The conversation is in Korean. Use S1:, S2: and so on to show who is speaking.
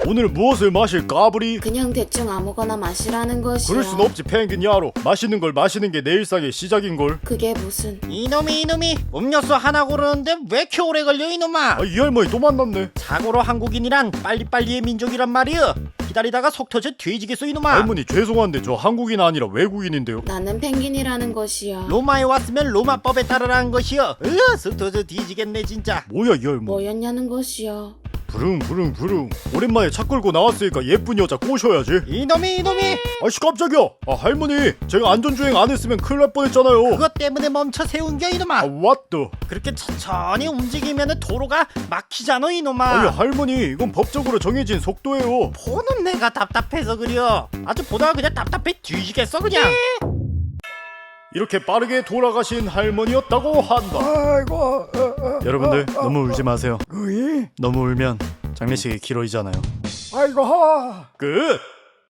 S1: 오늘 무엇을 마실까 부리?
S2: 그냥 대충 아무거나 마시라는 것이야.
S1: 그럴 순 없지 펭귄 야로. 마시는 걸 마시는 게 내 일상의 시작인걸.
S2: 그게 무슨...
S3: 이놈이 음료수 하나 고르는데 왜 이렇게 오래 걸려 이놈아.
S1: 이 할머니 또 만났네.
S3: 자고로 한국인이란 빨리빨리의 민족이란 말이여. 기다리다가 속 터져 뒤지겠어 이놈아.
S1: 할머니 죄송한데 저 한국인 아니라 외국인인데요.
S2: 나는 펭귄이라는 것이야.
S3: 로마에 왔으면 로마법에 따르라는 것이여. 속 터져 뒤지겠네 진짜.
S1: 뭐야 이 할머니.
S2: 뭐였냐는 것이야.
S1: 부릉. 오랜만에 차 끌고 나왔으니까 예쁜 여자 꼬셔야지.
S3: 이놈이
S1: 아씨 깜짝이야. 할머니 제가 안전주행 안 했으면 큰일 날 뻔했잖아요.
S3: 그것 때문에 멈춰 세운겨 이놈아.
S1: 왓더.
S3: 그렇게 천천히 움직이면 도로가 막히잖아 이놈아.
S1: 아니 할머니 이건 법적으로 정해진 속도예요.
S3: 보는 내가 답답해서 그려. 아주 보다가 그냥 답답해 뒤지겠어 그냥.
S1: 이렇게 빠르게 돌아가신 할머니였다고 한다.
S4: 아이고
S1: 여러분들 너무 울지 마세요.
S4: 그이
S1: 너무 울면 장례식이 길어지잖아요.
S4: 아이고
S1: 끝.